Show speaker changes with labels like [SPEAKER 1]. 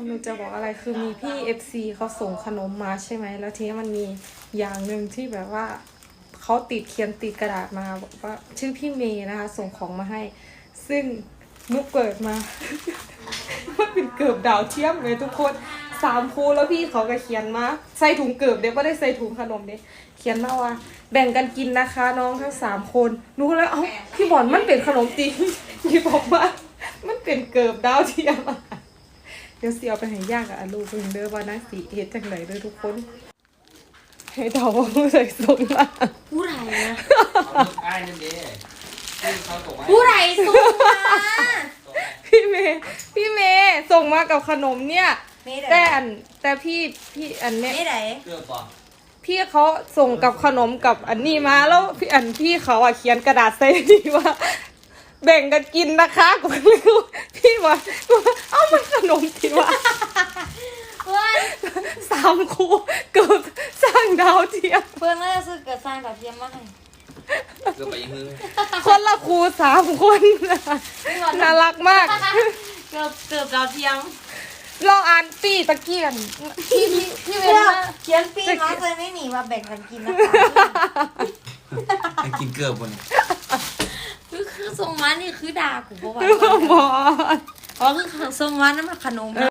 [SPEAKER 1] หนูจะบอกอะไรคือมีพี่ FC เขาส่งขนมมาใช่ไหมแล้วทีนี้มันมีอย่างหนึ่งที่แบบว่าเขาเขียนติดกระดาษมาบอกว่าชื่อพี่เมย์นะคะส่งของมาให้ ซึ่งนุกเปิดมา มันเป็นเกือบดาวเทียมเลยทุกคน3 คู่แล้วพี่เขาก็เขียนมาใส่ถุงเกือบเด็กไม่ได้ใส่ถุงขนมเด็กเขียนมาว่า แบ่งกันกินนะคะน้องทั้ง3 คนรู้แล้วเอ้าพี่บอลมันเป็นขนมจริง พี่บอกว่ามันเป็นเกือบดาวเทียม เดี๋ยวเสียไปให้ยากกับอาลูกเพิ่งเด้อว่านะสีเฮ็ดจังไหนเด้อทุกคน ให้เดาว่าผู้ใส่ส่งมา
[SPEAKER 2] ผู้ไรนะ
[SPEAKER 3] เอาลูกอ้ายนั่นเด้เขาส่งมาให้
[SPEAKER 2] ผู้ไรส่งมา
[SPEAKER 1] พี่เมย์ส่งมากับขนมเนี่ย
[SPEAKER 2] ไม่ได้
[SPEAKER 1] แต่พี่อันเนี้ย
[SPEAKER 2] ไม่ได้
[SPEAKER 3] เกือบป่ะ
[SPEAKER 1] พี่เขาส่งกับขนมกับอันนี้มาแล้วพี่เขาอ่ะเขียนกระดาษใส่ดีว่า แบ่งกันกินนะคะกูไม่รู้พี่ว่าเอ้ามันขนมที่ว่า
[SPEAKER 2] เพื่อน
[SPEAKER 1] 3 คู่เกือบสร้างดาวเทียม
[SPEAKER 2] เพื่อนน่าจะซื้อเกิดสร้างแบบเทียมมาให้
[SPEAKER 3] เกือบไปยังมือ
[SPEAKER 1] คนละครู3 คนน่ารักมาก
[SPEAKER 2] เกือบดาวเทียม
[SPEAKER 1] เราอ่านปีตะเกียนพี่เว
[SPEAKER 2] เพื่อ
[SPEAKER 1] ลา
[SPEAKER 2] เขียนปีมาเลยไม่หนีมาแบ่งกันกินนะคะ
[SPEAKER 3] ไปกินเกือบคน
[SPEAKER 2] คือส่งมานี่คือด่ากูเพราะว่า
[SPEAKER 1] บอ
[SPEAKER 2] อ๋อคือส่งมานั่นมันขนมนะ